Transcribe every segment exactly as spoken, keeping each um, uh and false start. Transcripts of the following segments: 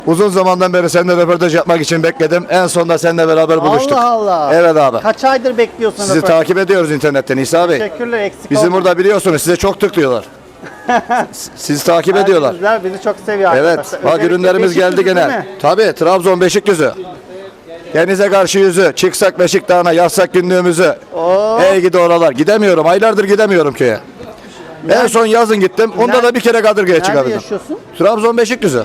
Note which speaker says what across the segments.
Speaker 1: Uzun zamandan beri seninle röportaj yapmak için bekledim. En sonunda seninle beraber buluştuk.
Speaker 2: Allah Allah.
Speaker 1: Evet abi.
Speaker 2: Kaç aydır bekliyorsun?
Speaker 1: Sizi
Speaker 2: röportaj?
Speaker 1: takip ediyoruz internetten İsa Bey.
Speaker 2: Teşekkürler, eksik
Speaker 1: Bizim
Speaker 2: olma.
Speaker 1: burada biliyorsunuz size çok tıklıyorlar. Sizi takip ediyorlar.
Speaker 2: Bizler bizi çok seviyor
Speaker 1: Evet.
Speaker 2: arkadaşlar.
Speaker 1: Bak
Speaker 2: Özellikle
Speaker 1: ürünlerimiz geldi
Speaker 2: Beşiktaş değil
Speaker 1: gene.
Speaker 2: mi?
Speaker 1: Tabii Trabzon Beşikdüzü. Denize karşı yüzü. Çıksak Beşik Dağı'na yazsak günlüğümüzü.
Speaker 2: Oo.
Speaker 1: Ey gidi oralar. Gidemiyorum. Aylardır gidemiyorum köye. En son yazın gittim. Onda
Speaker 2: Nerede-
Speaker 1: da bir kere Kadırga'ya
Speaker 2: Nerede
Speaker 1: çıkabildim.
Speaker 2: yaşıyorsun?
Speaker 1: Trabzon Beşikdüzü.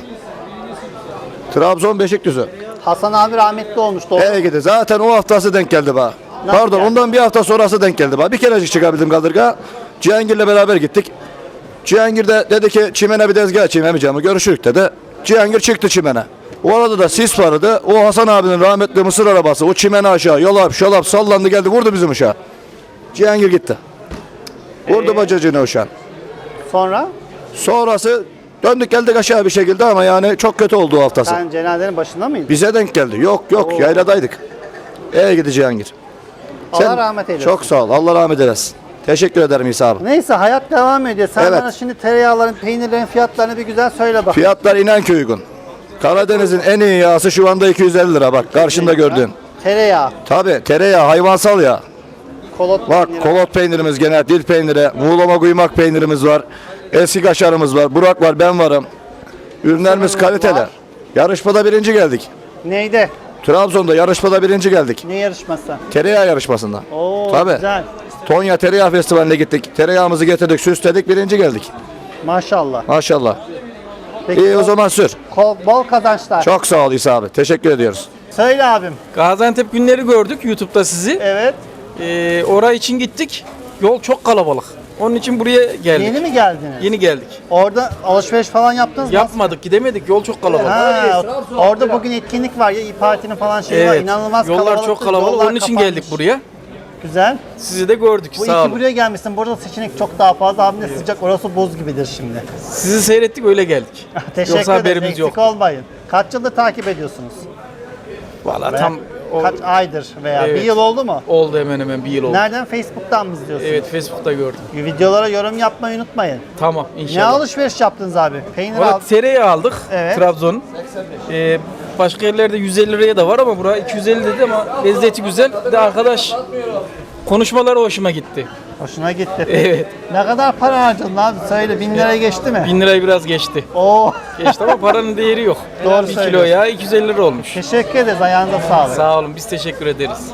Speaker 1: Trabzon Beşikdüzü.
Speaker 2: Hasan abi rahmetli olmuş. Doğru.
Speaker 1: Ey gidi. Zaten o haftası denk geldi bana.
Speaker 2: Nasıl
Speaker 1: Pardon
Speaker 2: geldi?
Speaker 1: ondan bir hafta sonrası denk geldi bana. Bir kerecik çıkabildim Kadırga. Cihangir'le beraber gittik. Cihangir de dedi ki çimene bir tezgah açayım emicamı görüşürük dedi. Cihangir çıktı çimene. O arada da sis vardı. O Hasan abinin rahmetli mısır arabası o çimene aşağı yolap şolap sallandı geldi vurdu bizim uşağı. Cihangir gitti. Vurdu
Speaker 2: Ee?
Speaker 1: bacacını uşağın.
Speaker 2: Sonra
Speaker 1: Sonrası döndük geldik aşağı bir şekilde ama yani çok kötü oldu o haftası.
Speaker 2: sen cenazenin başında mıydın?
Speaker 1: Bize denk geldi. Yok yok
Speaker 2: Oo.
Speaker 1: yayladaydık. Ey gidi Cihangir.
Speaker 2: Allah rahmet eylesin.
Speaker 1: Çok sağ ol. Allah rahmet eylesin. Teşekkür ederim İsa abi.
Speaker 2: Neyse hayat devam ediyor. Sen
Speaker 1: Evet.
Speaker 2: bana şimdi tereyağların, peynirlerin fiyatlarını bir güzel söyle bak.
Speaker 1: Fiyatlar İnanköy uygun. Karadeniz'in en iyi yağısı şu anda iki yüz elli lira bak karşında gördüğün.
Speaker 2: Tereyağı,
Speaker 1: Tabi tereyağı hayvansal yağ.
Speaker 2: kolot
Speaker 1: Bak
Speaker 2: peyniri.
Speaker 1: kolot peynirimiz gene dil peyniri, muğlama kuymak peynirimiz var. Eski kaşarımız var, Burak var, ben varım. Ürünlerimiz
Speaker 2: Sınırımız
Speaker 1: kaliteli.
Speaker 2: var.
Speaker 1: Yarışmada birinci geldik.
Speaker 2: Neydi?
Speaker 1: Trabzon'da yarışmada birinci geldik.
Speaker 2: Ne yarışması?
Speaker 1: Tereyağı yarışmasında.
Speaker 2: Oo
Speaker 1: Tabii.
Speaker 2: güzel.
Speaker 1: Tonya Tereyağı Festivali'ne gittik. Tereyağımızı getirdik, süsledik, birinci geldik.
Speaker 2: Maşallah.
Speaker 1: Maşallah.
Speaker 2: Peki,
Speaker 1: İyi o
Speaker 2: bol-
Speaker 1: zaman sür.
Speaker 2: kol- bol kazançlar.
Speaker 1: Çok sağ ol İsa abi. Teşekkür ediyoruz.
Speaker 2: Söyle abim.
Speaker 3: Gaziantep günleri gördük YouTube'da sizi.
Speaker 2: Evet.
Speaker 3: Ee, oraya için gittik. Yol çok kalabalık. Onun için buraya geldik.
Speaker 2: Yeni mi geldiniz?
Speaker 3: Yeni geldik.
Speaker 2: Orada alışveriş falan yaptınız mı?
Speaker 3: Yapmadık, gidemedik. Yol çok kalabalık.
Speaker 2: Ha, orada bugün etkinlik var ya İYİ Parti'nin falan şeyi var.
Speaker 3: Evet.
Speaker 2: İnanılmaz
Speaker 3: Yollar
Speaker 2: kalabalık.
Speaker 3: çok kalabalık. Onun için geldik buraya.
Speaker 2: Güzel.
Speaker 3: Sizi de gördük.
Speaker 2: Bu
Speaker 3: Sağ
Speaker 2: iki
Speaker 3: olun.
Speaker 2: buraya gelmişsin. Burada seçenek çok daha fazla. Abim de sıcak. Orası buz gibidir şimdi.
Speaker 3: Sizi seyrettik öyle geldik.
Speaker 2: Teşekkür
Speaker 3: Yoksa
Speaker 2: ederim.
Speaker 3: haberimiz
Speaker 2: Eksik
Speaker 3: yok.
Speaker 2: olmayın. Kaç yıldır takip ediyorsunuz?
Speaker 3: Valla
Speaker 2: Veya
Speaker 3: tam o-
Speaker 2: kaç aydır veya
Speaker 3: Evet.
Speaker 2: bir yıl oldu mu?
Speaker 3: oldu hemen hemen bir yıl oldu.
Speaker 2: Nereden? Facebook'tan mı izliyorsunuz?
Speaker 3: Evet Facebook'ta gördüm.
Speaker 2: Videolara yorum yapmayı unutmayın.
Speaker 3: Tamam
Speaker 2: Ne
Speaker 3: inşallah.
Speaker 2: alışveriş yaptınız abi? Peynir
Speaker 3: Valla
Speaker 2: al.
Speaker 3: tereyağı aldık
Speaker 2: Evet.
Speaker 3: Trabzon'un. Ee, başka yerlerde yüz elli liraya da var ama buraya iki yüz elli dedi ama lezzeti güzel. Bir de arkadaş konuşmaları hoşuma gitti.
Speaker 2: Hoşuna gitti.
Speaker 3: Evet.
Speaker 2: Ne kadar para harcadın abi? Söyle bin liraya geçti mi?
Speaker 3: Bin lirayı biraz geçti.
Speaker 2: Oo.
Speaker 3: Geçti ama paranın değeri yok.
Speaker 2: Doğru
Speaker 3: Bir kilo
Speaker 2: söylüyorsun.
Speaker 3: ya iki yüz elli lira olmuş.
Speaker 2: Teşekkür ederiz. Ayağınıza sağlık.
Speaker 3: Sağ olun biz teşekkür ederiz.